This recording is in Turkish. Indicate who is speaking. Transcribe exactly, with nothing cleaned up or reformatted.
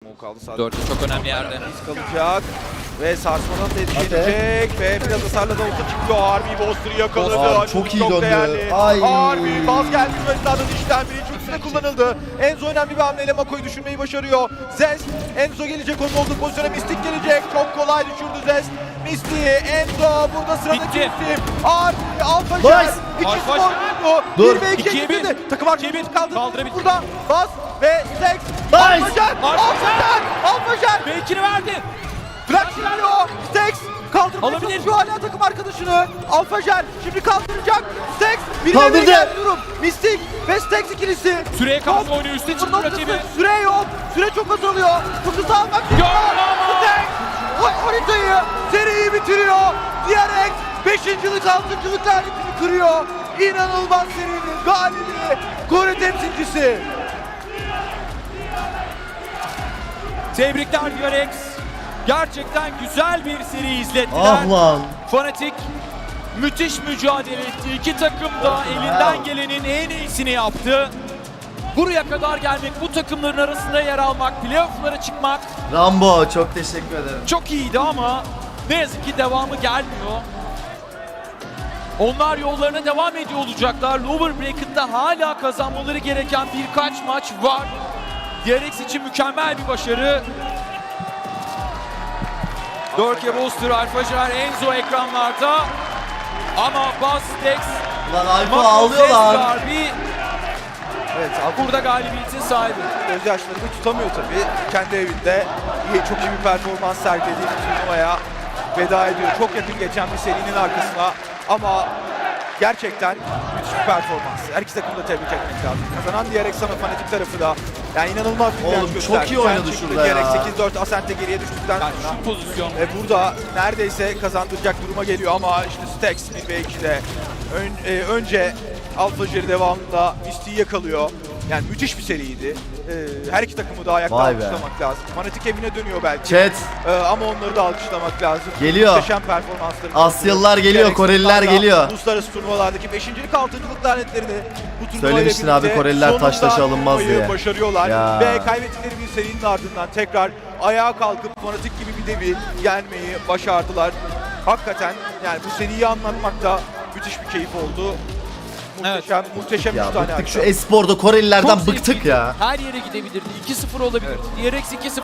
Speaker 1: smoke aldı sadece.
Speaker 2: Dörtte çok önemli yerde.
Speaker 1: Risk kalacak ve sarsmadan da etki edecek ve biraz hasarla da olsa çıkıyor. Harbi Boster'ı yakaladı.
Speaker 3: Aa,
Speaker 1: Acun
Speaker 3: çok iyi döndü.
Speaker 1: değerli.
Speaker 3: Ay.
Speaker 1: Harbi baz geldi düellilerden işten biri üçüncüsü kullanıldı. Enzo önemli bir hamleyle Mako'yu düşürmeyi başarıyor. Zest, Enzo gelecek onun olduğu pozisyona, Mystic gelecek. Çok kolay düşürdü Zest. Mystic, Enzo burada sıradaki
Speaker 2: Bitti.
Speaker 1: isim. Harbi, Alpha Jet.
Speaker 3: Nice.
Speaker 1: İki
Speaker 2: Alpha
Speaker 1: skor
Speaker 2: Jet.
Speaker 1: buldu.
Speaker 3: Dur.
Speaker 1: bir ve ikiye
Speaker 2: İkiye bir.
Speaker 1: getirdi. Takım
Speaker 2: İkiye
Speaker 1: arkadaşı
Speaker 2: bir.
Speaker 1: kaldı.
Speaker 2: Kaldırabildi.
Speaker 1: Burada bas ve Zex.
Speaker 3: Nice.
Speaker 1: Alpha Jet, Alpha Jet, Alpha Jet.
Speaker 2: Belkini verdi.
Speaker 1: Flash geliyor. Stex kaldırmaya
Speaker 2: Alabilir.
Speaker 1: çalışıyor hala takım arkadaşını. Alpha Jet şimdi kaldıracak. Stex bir
Speaker 3: Kaldırdı.
Speaker 1: ve bir geldi durum. Mystic ve Stex ikilisi.
Speaker 2: Süreye karşı
Speaker 1: Top,
Speaker 2: oynuyor. Üste
Speaker 1: sıfır
Speaker 2: çıktı
Speaker 1: noktası.
Speaker 2: rakibi.
Speaker 1: Süre yok. Süre çok azalıyor. Fırsatı almak istiyor.
Speaker 2: Yok.
Speaker 1: Stex o- haritayı, seriyi bitiriyor. Diyerek beşincilik altıncılık lanetini kırıyor. İnanılmaz serinin galibi. Kore temsilcisi.
Speaker 2: Tebrikler Diyorex. Gerçekten güzel bir seri izlettiler.
Speaker 3: Ah lan.
Speaker 2: Fnatic müthiş mücadele etti. İki takım da elinden gelenin en iyisini yaptı. Buraya kadar gelmek, bu takımların arasında yer almak, playoff'lara çıkmak
Speaker 3: Rambo çok teşekkür ederim.
Speaker 2: çok iyiydi ama ne yazık ki devamı gelmiyor. Onlar yollarına devam ediyor olacaklar. Lower Bracket'ta hala kazanmaları gereken birkaç maç var. Diyorex için mükemmel bir başarı. Dörke Booster, Alfajar, Enzo ekranlarda. Ama Bastex,
Speaker 3: Lan Alfa ağlıyor lan.
Speaker 1: Evet, Alpha
Speaker 2: burada galibiyetin sahibi.
Speaker 1: gözyaşlarını tutamıyor tabii. Kendi evinde iyi, çok iyi bir performans sergilediği bir turnuvaya veda ediyor. Çok yakın geçen bir serinin arkasına ama gerçekten müthiş bir performans. Her iki takımı da tebrik etmek lazım. Kazanan Diyerex sana Fnatic tarafı da yani inanılmaz bir
Speaker 3: Oğlum,
Speaker 1: direnç
Speaker 3: çok
Speaker 1: gösterdi.
Speaker 3: iyi oynadı
Speaker 1: Sen çıktı,
Speaker 3: şurada ya.
Speaker 1: Diyerex sekiz dört Ascent'e geriye düştükten
Speaker 2: Yani
Speaker 1: sonra
Speaker 2: şu pozisyon.
Speaker 1: ve burada neredeyse kazandıracak duruma geliyor ama işte Stex bir ve ikide ön, e, önce Alpha Jerry devamında Mystic'i yakalıyor. Yani müthiş bir seriydi. Ee, her iki takımı da ayakta
Speaker 3: Vay be.
Speaker 1: alkışlamak lazım. Fnatic evine dönüyor belki.
Speaker 3: Chat.
Speaker 1: Ee, ama onları da alkışlamak lazım.
Speaker 3: Geliyor.
Speaker 1: Muhteşem performansları.
Speaker 3: Asyalılar geliyor,
Speaker 1: Diğer
Speaker 3: Koreliler
Speaker 1: ekiplerle
Speaker 3: geliyor.
Speaker 1: Uluslararası turnuvalardaki beşincilik, altıncılık lanetlerini bu turnuvayla
Speaker 3: Söylemiştin abi,
Speaker 1: birlikte
Speaker 3: Koreliler taş
Speaker 1: sonunda
Speaker 3: taşı alınmaz
Speaker 1: turnuvayı
Speaker 3: diye.
Speaker 1: başarıyorlar.
Speaker 3: Ya.
Speaker 1: Ve kaybettikleri bir serinin ardından tekrar ayağa kalkıp Fnatic gibi bir devi yenmeyi başardılar. Hakikaten yani bu seriyi anlatmak da müthiş bir keyif oldu. Muhteşem, muhteşem
Speaker 3: Ya
Speaker 1: üç tane
Speaker 3: bıktık şu
Speaker 1: harita.
Speaker 3: esporda Korelilerden
Speaker 2: Çok
Speaker 3: bıktık
Speaker 2: zevkliydi.
Speaker 3: ya.
Speaker 2: Her yere gidebilirdi. iki sıfır olabilirdi. Diyerex iki sıfır